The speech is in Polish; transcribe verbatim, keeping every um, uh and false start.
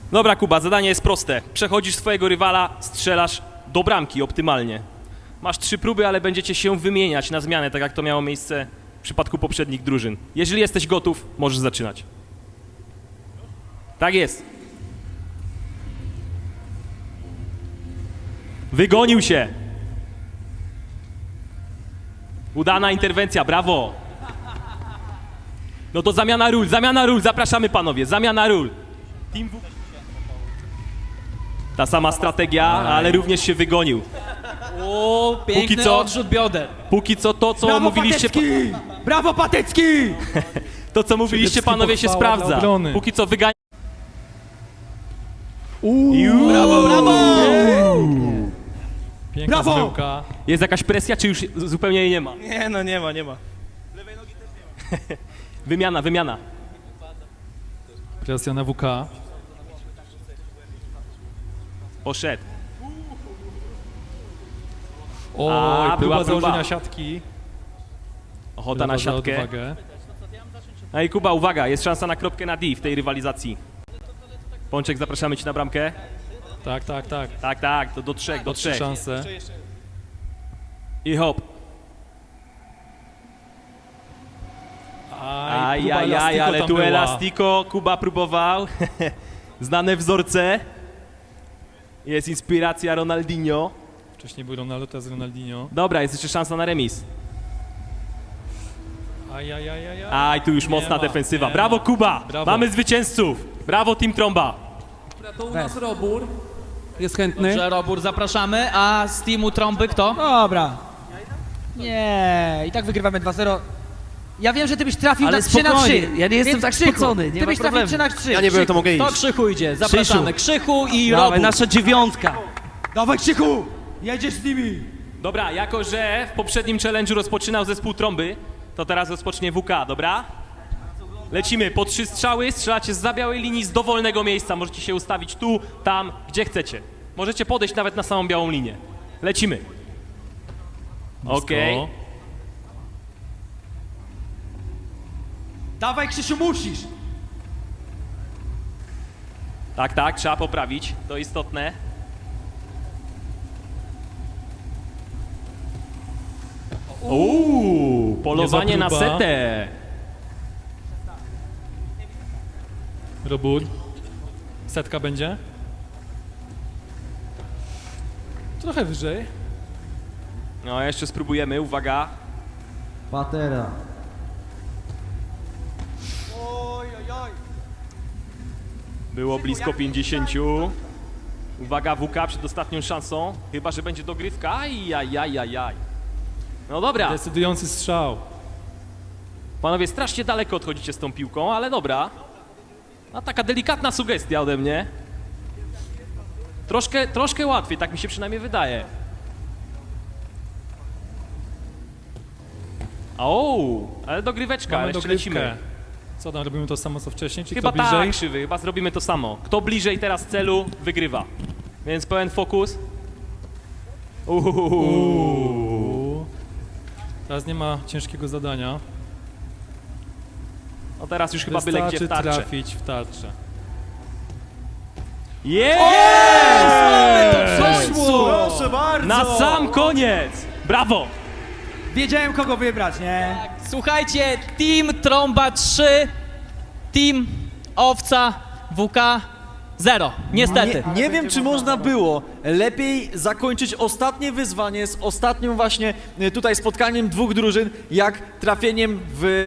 Dobra, Kuba, zadanie jest proste. Przechodzisz swojego rywala, strzelasz do bramki optymalnie. Masz trzy próby, ale będziecie się wymieniać na zmianę, tak jak to miało miejsce w przypadku poprzednich drużyn. Jeżeli jesteś gotów, możesz zaczynać. Tak jest. Wygonił się. Udana interwencja, brawo. No to zamiana ról, zamiana ról, zapraszamy panowie, zamiana ról. Team W... Ta sama strategia, ale również się wygonił. O, piękny Póki co- odrzut bioder. Póki co to, co Brawo mówiliście, Patecki! Brawo Patecki! to, co mówiliście panowie, się pochwała dla sprawdza. obrony. Póki co wygania... Brawo, brawo! Piękna Brawo! zmyłka. Jest jakaś presja, czy już zupełnie jej nie ma? Nie no, nie ma, nie ma. Wymiana, wymiana. Presja na W K. Poszedł. Oj, A, była próba próba. założenia siatki. Ochota na Brawo za siatkę. odwagę. No i Kuba, uwaga, jest szansa na kropkę na D w tej rywalizacji. Pączek, zapraszamy cię na bramkę. Tak, tak, tak. Tak, tak, to do trzech, do Trzy trzech. szanse. I hop. Aj, próba Ajajaj, elastiko ale tam tu była. elastiko, Kuba próbował. Znane wzorce. Jest inspiracja Ronaldinho. Wcześniej był Ronaldo, teraz Ronaldinho. Dobra, jest jeszcze szansa na remis. Aj, aj, aj, aj, aj. Aj, tu już Nie mocna ma, defensywa. nie Brawo, ma. Kuba! Brawo. Mamy zwycięzców! Brawo, Team Tromba! To u nas Robur. Jest chętny? Dobrze, Robur, zapraszamy. A z teamu Trąby kto? Dobra. Nie, i tak wygrywamy dwa zero. Ja wiem, że ty byś trafił Ale na trzy na trzy. spokojnie, ja nie jestem Więc tak Krzychu, spocony, nie Ty ma byś trafił problemu. trzy na trzy. Ja nie byłem, to mogę iść. To Krzychu idzie, zapraszamy. Krzychu i Dawaj, Robur. nasza dziewiątka. Dawaj Krzychu! Jedziesz z nimi! Dobra, jako że w poprzednim challenge'u rozpoczynał zespół Trąby, to teraz rozpocznie W K, dobra? Lecimy, po trzy strzały, strzelacie z za białej linii, z dowolnego miejsca. Możecie się ustawić tu, tam, gdzie chcecie. Możecie podejść nawet na samą białą linię. Lecimy. Okej. Blisko. Dawaj Krzysiu, musisz! Tak, tak, trzeba poprawić, to istotne. Uuu, polowanie na Niezła próba. setę. Robur. Setka będzie. Trochę wyżej. No, jeszcze spróbujemy, uwaga. Patera. Było blisko pięćdziesięciu. Uwaga, W K przed ostatnią szansą. Chyba że będzie dogrywka. Ajajajajaj. No dobra, Decydujący strzał. panowie, strasznie daleko odchodzicie z tą piłką, ale dobra. A taka delikatna sugestia ode mnie. Troszkę, troszkę łatwiej, tak mi się przynajmniej wydaje. O, ale dogryweczka, Mamy ale jeszcze dogrywkę. lecimy. Co tam, robimy to samo co wcześniej? Czy Chyba kto bliżej? tak, krzywy, chyba zrobimy to samo. Kto bliżej teraz celu, wygrywa. Więc pełen fokus. Uuu. Uuu. Teraz nie ma ciężkiego zadania. No teraz już chyba byle gdzie w Wystarczy tarczę. trafić w tarczę. Jest! Proszę bardzo! Na sam koniec! Brawo! Wiedziałem kogo wybrać, nie? Słuchajcie, team Trąba trzy, team Owca W K zero. Niestety. Nie, nie wiem, czy można było lepiej zakończyć ostatnie wyzwanie z ostatnim właśnie y, tutaj spotkaniem dwóch drużyn, jak trafieniem w